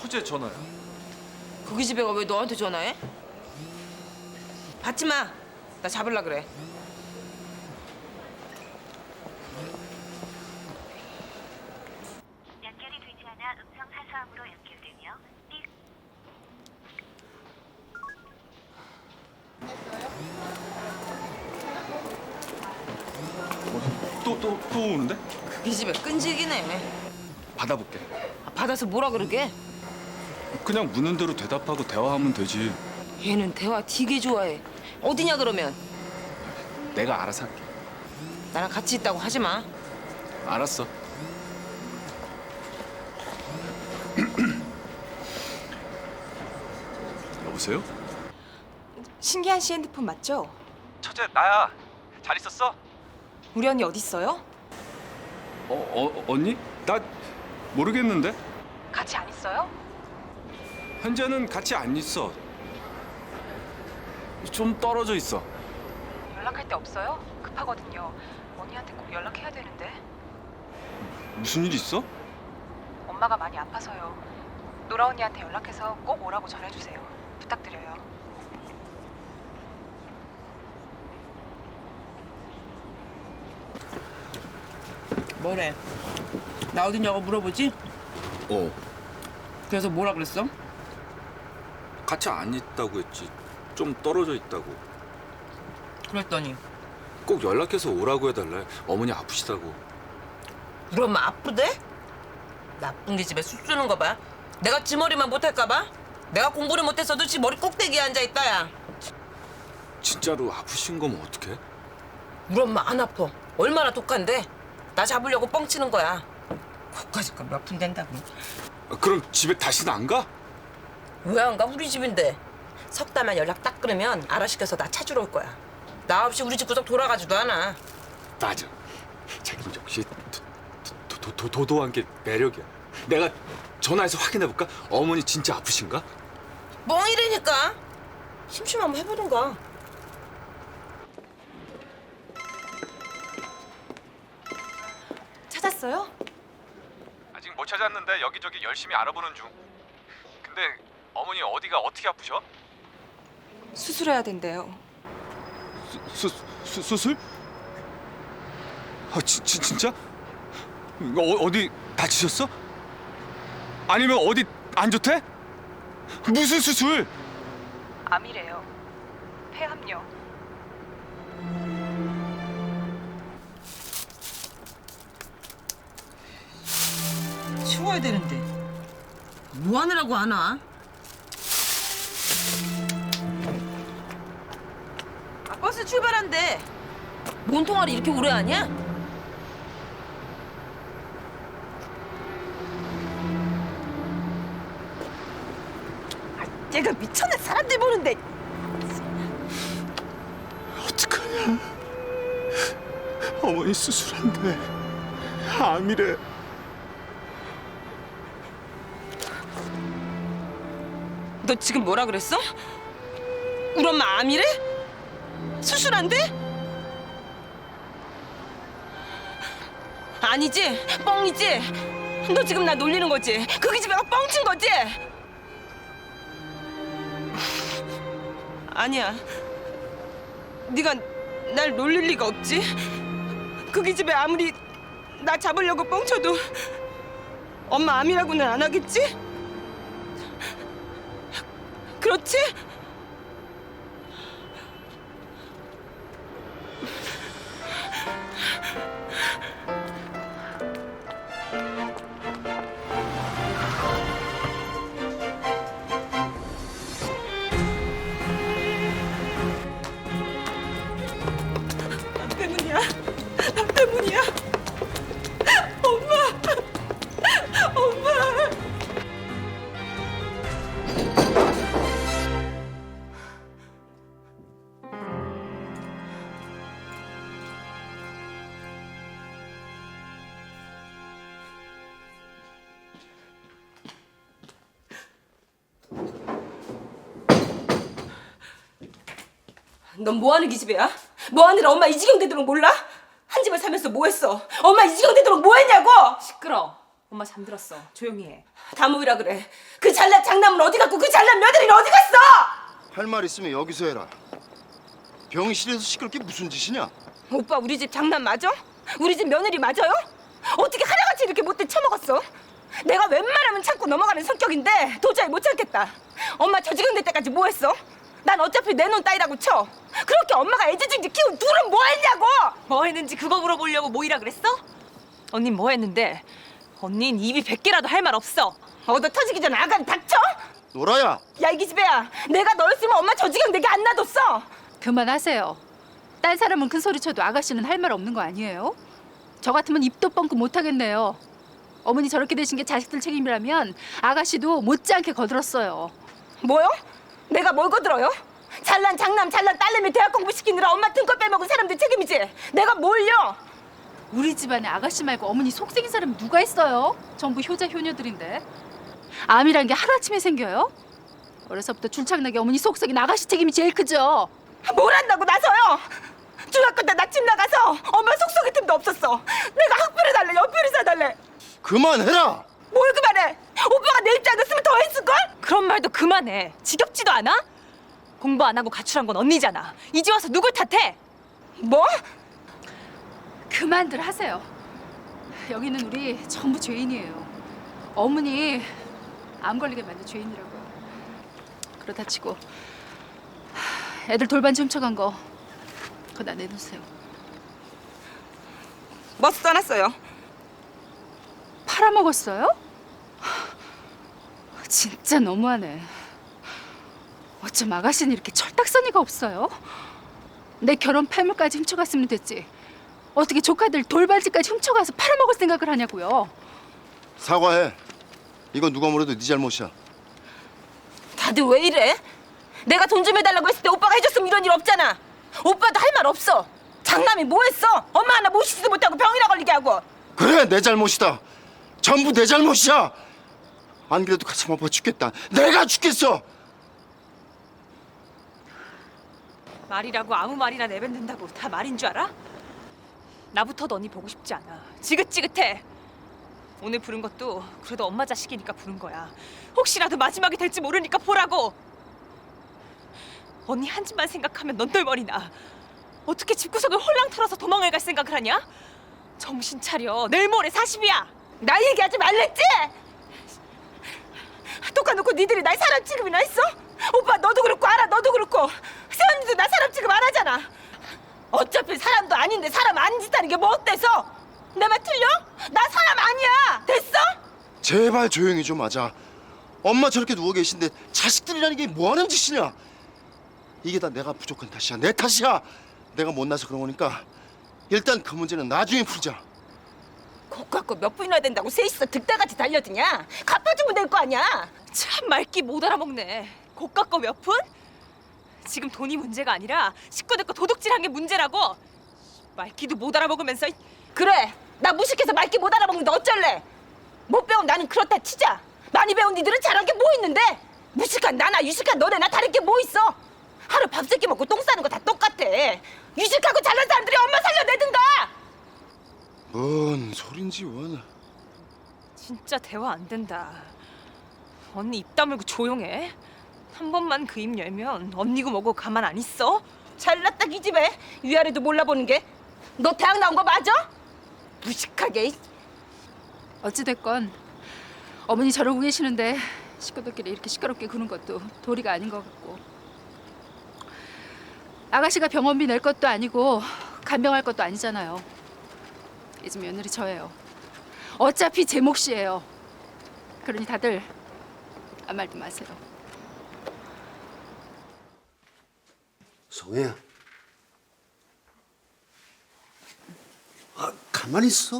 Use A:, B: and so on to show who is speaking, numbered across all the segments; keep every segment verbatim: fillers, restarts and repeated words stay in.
A: 처제 전화야.
B: 거기 집애가 왜 너한테 전화해? 받지 마. 나 잡을라 그래.
C: 연결이 되지 않아 음성 하소음으로 연결되며 삐
A: 또 또 또 오는데?
B: 거기 집애 끈질기네.
A: 받아볼게.
B: 아, 받아서 뭐라 그러게?
A: 그냥 묻는 대로 대답하고 대화하면 되지.
B: 얘는 대화 되게 좋아해. 어디냐 그러면?
A: 내가 알아서 할게.
B: 나랑 같이 있다고 하지 마.
A: 알았어. 여보세요?
D: 신기한 씨 핸드폰 맞죠?
A: 처제 나야. 잘 있었어?
D: 우리 언니 어디 있어요?
A: 어, 어 언니? 나 모르겠는데.
D: 같이 안 있어요?
A: 현재는 같이 안 있어. 좀 떨어져 있어.
D: 연락할 데 없어요? 급하거든요. 언니한테 꼭 연락해야 되는데.
A: 무슨 일 있어?
D: 엄마가 많이 아파서요. 노라 언니한테 연락해서 꼭 오라고 전해주세요. 부탁드려요.
B: 뭐래? 나 어디냐고 물어보지?
A: 어.
B: 그래서 뭐라 그랬어?
A: 같이 안 있다고 했지. 좀 떨어져 있다고.
B: 그랬더니
A: 꼭 연락해서 오라고 해달래. 어머니 아프시다고.
B: 우리 엄마 아프대? 나쁜 게 집에 술 주는 거 봐. 내가 지 머리만 못할까 봐? 내가 공부를 못했어도 지 머리 꼭대기에 앉아있다 야.
A: 진짜로 아프신 거면 어떡해?
B: 우리 엄마 안 아파. 얼마나 독한데? 나 잡으려고 뻥치는 거야. 거기까지 몇 푼 된다고.
A: 아, 그럼 집에 다시는 안 가?
B: 왜 안 가? 우리 집인데. 석 달만 연락 딱 끊으면 알아시켜서 나 찾으러 올 거야. 나 없이 우리 집 구석 돌아가지도 않아.
A: 맞아. 자기는 역시 도, 도, 도, 도도한 게 매력이야. 내가 전화해서 확인해볼까? 어머니 진짜 아프신가?
B: 뻥이라니까. 심심하면 해보든가.
D: 찾았어요?
E: 아직 못 찾았는데 여기저기 열심히 알아보는 중. 근데 어머니 어디가 어떻게 아프셔?
D: 수술해야 된대요.
A: 수, 수, 수술? 아, 지, 지, 진짜? 어, 어디 다치셨어? 아니면 어디 안 좋대? 무슨 수술?
D: 암이래요. 폐암요.
B: 치워야 되는데 뭐 하느라고 안 와? 아, 버스 출발한대. 뭔 통화를 이렇게 오래 하냐? 아, 얘가 미쳤네. 사람들 보는데.
A: 어떡하냐? 어머니 수술한대. 암이래.
B: 너 지금 뭐라 그랬어? 우리 엄마 암이래? 수술한대? 아니지? 뻥이지? 너 지금 나 놀리는 거지? 그 기집애가 뻥친 거지? 아니야. 네가 날 놀릴 리가 없지? 그 기집애 아무리 나 잡으려고 뻥쳐도 엄마 암이라고는 안 하겠지? 그렇지? 나 때문이야. 나 때문이야. 엄마. 엄마. 넌 뭐하는 기집애야? 뭐하느라 엄마 이 지경 되도록 몰라? 한 집을 살면서 뭐했어? 엄마 이 지경 되도록 뭐했냐고?
D: 시끄러. 엄마 잠들었어. 조용히 해.
B: 다 모이라 그래. 그 잘난 장남은 어디 갔고 그 잘난 며느리는 어디 갔어?
F: 할 말 있으면 여기서 해라. 병실에서 시끄럽게 무슨 짓이냐?
B: 오빠 우리 집 장남 맞아? 우리 집 며느리 맞아요? 어떻게 하나같이 이렇게 못돼 처먹었어? 내가 웬만하면 참고 넘어가는 성격인데 도저히 못 참겠다. 엄마 저지경 될 때까지 뭐 했어? 난 어차피 내 눈 따위라고 쳐. 그렇게 엄마가 애지중지 키운 둘은 뭐 했냐고!
D: 뭐 했는지 그거 물어보려고 모이라 그랬어? 언닌 뭐 했는데? 언닌 입이 백 개라도 할 말 없어.
B: 얻어 터지기 전에 아가리 닥쳐?
F: 노라야.
B: 야 이 기집애야, 내가 너였으면 엄마 저지경 되게 안 놔뒀어.
G: 그만하세요. 딴 사람은 큰 소리 쳐도 아가씨는 할 말 없는 거 아니에요? 저 같으면 입도 뻥끗 못 하겠네요. 어머니 저렇게 되신 게 자식들 책임이라면 아가씨도 못지않게 거들었어요.
B: 뭐요? 내가 뭘 거들어요? 잘난 장남, 잘난 딸내미 대학 공부 시키느라 엄마 등골 빼먹은 사람들 책임이지. 내가 뭘요?
G: 우리 집안에 아가씨 말고 어머니 속생긴 사람이 누가 있어요? 전부 효자 효녀들인데. 암이란 게 하루아침에 생겨요? 어려서부터 줄창나게 어머니 속썩인 아가씨 책임이 제일 크죠.
B: 뭘 한다고 나서요? 중학교 때 나 집 나가서 엄마 속속일 틈도 없었어. 내가 학비를 달래, 연필을 사달래.
F: 그만해라.
B: 뭘 그만해? 오빠가 내 입장이었으면 더 했을걸?
D: 그런 말도 그만해. 지겹지도 않아? 공부 안 하고 가출한 건 언니잖아. 이제 와서 누굴 탓해?
B: 뭐?
G: 그만들 하세요. 여기는 우리 전부 죄인이에요. 어머니 암 걸리게 만든 죄인이라고요. 그렇다 치고 애들 돌반지 훔쳐간 거 그거 다 내놓으세요.
B: 뭐 써놨어요?
G: 팔아먹었어요? 진짜 너무하네. 어쩜 아가씨는 이렇게 철딱서니가 없어요? 내 결혼 패물까지 훔쳐갔으면 됐지. 어떻게 조카들 돌반지까지 훔쳐가서 팔아먹을 생각을 하냐고요.
F: 사과해. 이건 누가 뭐래도 네 잘못이야.
B: 다들 왜 이래? 내가 돈 좀 해달라고 했을 때 오빠가 해줬으면 이런 일 없잖아. 오빠도 할 말 없어. 장남이 뭐 했어? 엄마 하나 모시지도 못하고 병이나 걸리게 하고.
F: 그래, 내 잘못이다. 전부 내 잘못이야. 안 그래도 가슴 아파 죽겠다. 내가 죽겠어.
D: 말이라고 아무 말이나 내뱉는다고 다 말인 줄 알아? 나부터도 언니 보고 싶지 않아. 지긋지긋해. 오늘 부른 것도 그래도 엄마 자식이니까 부른 거야. 혹시라도 마지막이 될지 모르니까 보라고. 언니 한 집만 생각하면 넌덜머리 나. 어떻게 집구석을 홀랑 털어서 도망을 갈 생각을 하냐? 정신 차려. 내일 모레 사십이야.
B: 나 얘기하지 말랬지? 똑같놓고 니들이 날 사람 취급이나 했어? 오빠 너도 그렇고 알아, 너도 그렇고 세연이도 나 사람 취급 안 하잖아. 어차피 사람도 아닌데 사람 아닌 짓 하는 게 뭐 어때서? 내 말 틀려? 나 사람 아니야. 됐어?
F: 제발 조용히 좀 하자. 엄마 저렇게 누워 계신데 자식들이라는 게 뭐 하는 짓이냐? 이게 다 내가 부족한 탓이야. 내 탓이야. 내가 못나서 그런 거니까 일단 그 문제는 나중에 풀자.
B: 곧 갖고 몇 분이나 된다고 셋이서 득달같이 달려드냐? 갚아주면 될 거 아니야.
D: 참 말귀 못 알아먹네. 고가 거 몇 푼? 지금 돈이 문제가 아니라 식구들 거 도둑질한 게 문제라고. 말귀도 못 알아먹으면서.
B: 그래, 나 무식해서 말귀 못 알아먹는데 어쩔래? 못 배운 나는 그렇다 치자. 많이 배운 니들은 잘한 게 뭐 있는데? 무식한 나나 유식한 너네나 다른 게 뭐 있어? 하루 밥 세끼 먹고 똥 싸는 거 다 똑같아. 유식하고 잘난 사람들이 엄마 살려내든가.
F: 뭔 소린지 원.
D: 진짜 대화 안 된다. 언니 입 다물고 조용해. 한 번만 그 입 열면 언니고 뭐고 가만 안 있어.
B: 잘났다 이 집에 위아래도 몰라보는 게. 너 대학 나온 거 맞아? 무식하게.
G: 어찌됐건 어머니 저러고 계시는데 식구들끼리 이렇게 시끄럽게 구는 것도 도리가 아닌 것 같고, 아가씨가 병원비 낼 것도 아니고 간병할 것도 아니잖아요. 이 집 며느리 저예요. 어차피 제 몫이에요. 그러니 다들 아무 말도 마세요.
H: 성혜야. 아, 가만히 있어.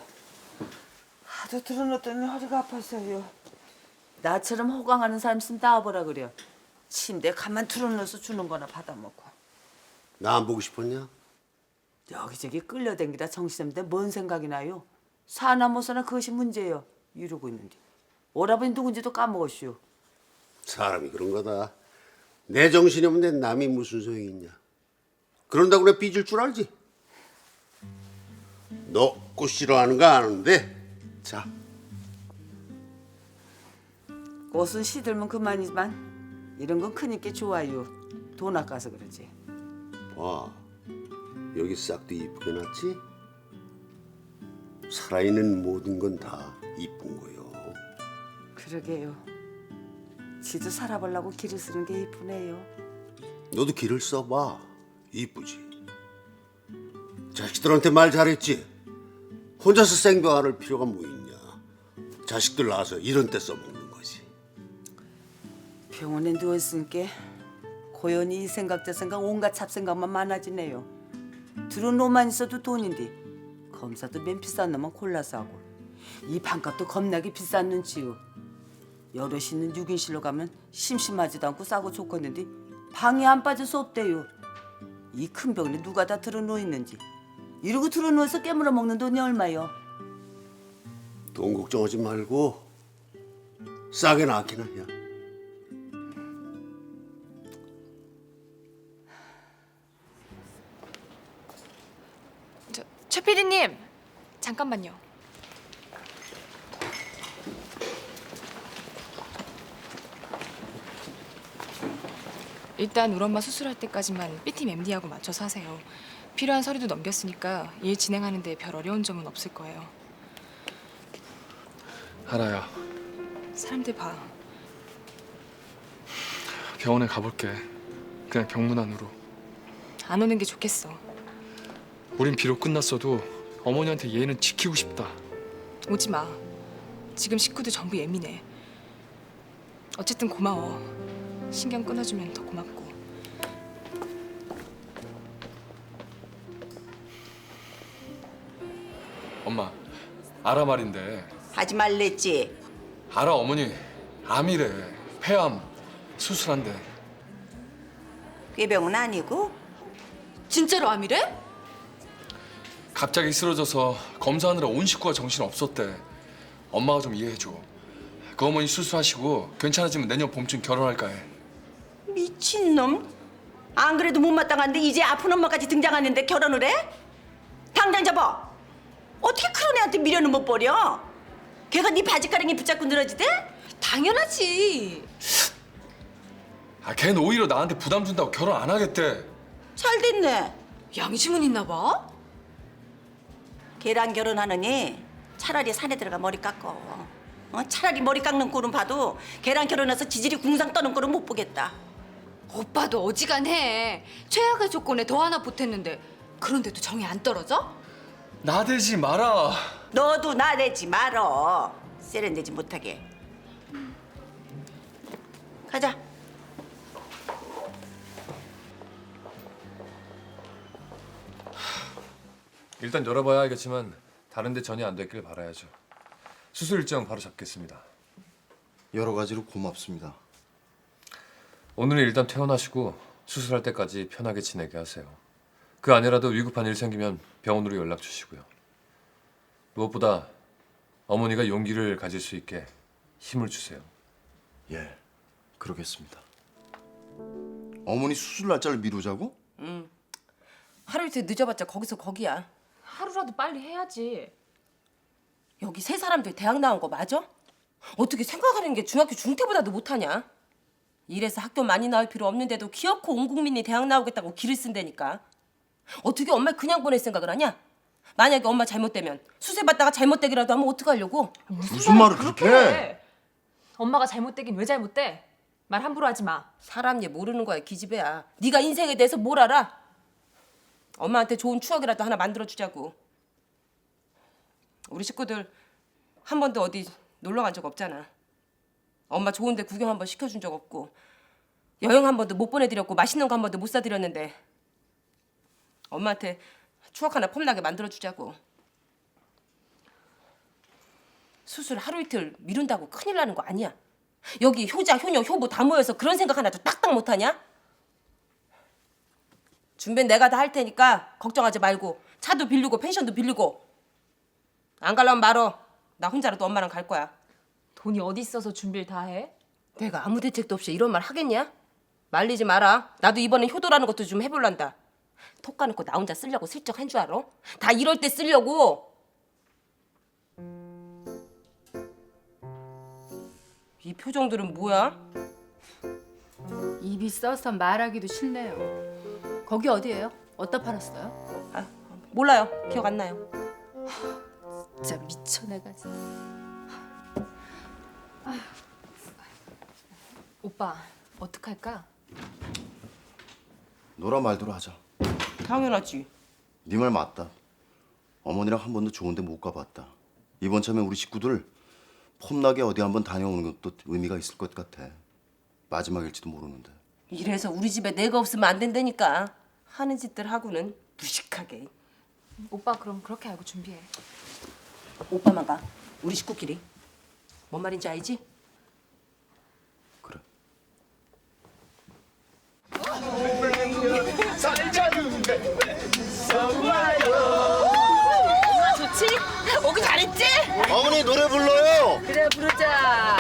I: 하도 들어놓더니 허리가 아팠어요. 나처럼 호강하는 사람 있으면 나와보라 그래요. 침대에 가만 틀어놓아서 주는 거나 받아먹고.
H: 나 안 보고 싶었냐?
I: 여기저기 끌려댕기다 정신없는데 뭔 생각이 나요? 사나 못 사나 그것이 문제예요. 이러고 있는데. 오라버니 누군지도 까먹었슈.
H: 사람이 그런 거다. 내 정신이 없는데 남이 무슨 소용이 있냐. 그런다고 내가 삐질 줄 알지? 너 꽃 싫어하는 거 아는데. 자.
I: 꽃은 시들면 그만이지만 이런 건 크니까 좋아요. 돈 아까서 그러지.
H: 와, 여기 싹도 이쁘게 났지? 살아있는 모든 건 다 이쁜 거요.
I: 그러게요. 지도 살아보려고 길을 쓰는 게 이쁘네요.
H: 너도 길을 써봐. 이쁘지. 자식들한테 말 잘했지? 혼자서 생병 앓을 필요가 뭐 있냐. 자식들 낳아서 이런 때 써먹는 거지.
I: 병원에 누워있으니까 고연히 이 생각 저 생각 온갖 잡생각만 많아지네요. 들은 놈만 있어도 돈인데 검사도 맨 비싼 놈만 골라서 하고 이 반값도 겁나게 비싼 눈치요. 여럿이 있는 육 인실로 가면 심심하지도 않고 싸고 좋겠는데 방에 안 빠질 수 없대요. 이 큰 병원에 누가 다 들어누워 있는지 이러고 들어누워서 깨물어 먹는 돈이 얼마요?
H: 돈 걱정하지 말고 싸게 낳기나 해.
D: 저, 최 피디님 잠깐만요. 일단 우리 엄마 수술할 때까지만 B팀 엠디하고 맞춰서 하세요. 필요한 서류도 넘겼으니까 일 진행하는데 별 어려운 점은 없을 거예요.
A: 하나야,
D: 사람들 봐.
A: 병원에 가볼게. 그냥 병문 안으로.
D: 안 오는 게 좋겠어.
A: 우린 비록 끝났어도 어머니한테 얘는 지키고 싶다.
D: 오지 마. 지금 식구들 전부 예민해. 어쨌든 고마워. 신경 끊어주면 더 고맙고.
A: 엄마, 아라 말인데.
I: 하지 말랬지.
A: 아라 어머니 암이래. 폐암 수술한대.
I: 꾀병은 아니고?
G: 진짜로 암이래?
A: 갑자기 쓰러져서 검사하느라 온 식구가 정신 없었대. 엄마가 좀 이해해줘. 그 어머니 수술하시고 괜찮아지면 내년 봄쯤 결혼할까 해.
B: 미친놈. 안 그래도 못마땅한데 이제 아픈 엄마까지 등장하는데 결혼을 해? 당장 잡아. 어떻게 그런 애한테 미련을 못 버려? 걔가 네 바지가랑이 붙잡고 늘어지대?
G: 당연하지.
A: 아, 걔는 오히려 나한테 부담 준다고 결혼 안 하겠대.
B: 잘 됐네.
G: 양심은 있나 봐.
B: 걔랑 결혼하느니 차라리 산에 들어가 머리 깎어. 어? 차라리 머리 깎는 꼴은 봐도 걔랑 결혼해서 지질이 궁상 떠는 꼴은 못 보겠다.
G: 오빠도 어지간해. 최악의 조건에 더 하나 보탰는데 그런데도 정이 안 떨어져?
A: 나대지 마라.
B: 너도 나대지 말어. 세련되지 못하게. 가자.
J: 일단 열어봐야 알겠지만 다른 데 전이 안 됐길 바라야죠. 수술 일정 바로 잡겠습니다.
F: 여러 가지로 고맙습니다.
J: 오늘은 일단 퇴원하시고 수술할 때까지 편하게 지내게 하세요. 그 아니라도 위급한 일 생기면 병원으로 연락 주시고요. 무엇보다 어머니가 용기를 가질 수 있게 힘을 주세요.
F: 예, 그러겠습니다. 어머니 수술 날짜를 미루자고?
B: 하루 이틀 늦어봤자 거기서 거기야.
D: 하루라도 빨리 해야지.
B: 여기 세 사람들 대학 나온 거 맞아? 어떻게 생각하는 게 중학교 중퇴보다도 못하냐? 이래서 학교 많이 나올 필요 없는데도 기어코 온 국민이 대학 나오겠다고 기를 쓴다니까. 어떻게 엄마 그냥 보낼 생각을 하냐? 만약에 엄마 잘못되면 수세받다가 잘못되기라도 하면 어떡하려고?
F: 무슨 말을 그렇게 해?
D: 엄마가 잘못되긴 왜 잘못돼? 말 함부로 하지 마.
B: 사람 얘 모르는 거야 기집애야. 네가 인생에 대해서 뭘 알아? 엄마한테 좋은 추억이라도 하나 만들어주자고. 우리 식구들 한 번도 어디 놀러 간 적 없잖아. 엄마 좋은 데 구경 한 번 시켜준 적 없고 여행 한 번도 못 보내드렸고 맛있는 거 한 번도 못 사드렸는데 엄마한테 추억 하나 폼나게 만들어주자고. 수술 하루 이틀 미룬다고 큰일 나는 거 아니야. 여기 효자, 효녀, 효부 다 모여서 그런 생각 하나도 딱딱 못하냐? 준비는 내가 다 할 테니까 걱정하지 말고 차도 빌리고 펜션도 빌리고. 안 가려면 말어. 나 혼자라도 엄마랑 갈 거야.
D: 돈이 어디 있어서 준비를 다 해?
B: 내가 아무 대책도 없이 이런 말 하겠냐? 말리지 마라. 나도 이번엔 효도라는 것도 좀 해볼란다. 톡 까놓고 나 혼자 쓰려고 슬쩍 한 줄 알아? 다 이럴 때 쓰려고. 이 표정들은 뭐야?
G: 입이 써서 말하기도 싫네요. 거기 어디예요? 어디다 팔았어요?
B: 아, 몰라요. 기억 안 나요.
G: 진짜 미쳐 내가 진짜. 아휴. 오빠 어떡할까?
F: 너라 말대로 하자.
B: 당연하지.
F: 네 말 맞다. 어머니랑 한 번도 좋은 데 못 가봤다. 이번 참에 우리 식구들 폼나게 어디 한번 다녀오는 것도 의미가 있을 것 같아. 마지막일지도 모르는데.
B: 이래서 우리 집에 내가 없으면 안 된다니까. 하는 짓들 하고는 무식하게.
G: 오빠 그럼 그렇게 알고 준비해.
B: 오빠만 가. 우리 식구끼리. 뭔 말인지 알지?
F: 그래.
B: 좋지? 오기 잘했지?
F: 어머니 노래 불러요.
B: 그래 부르자.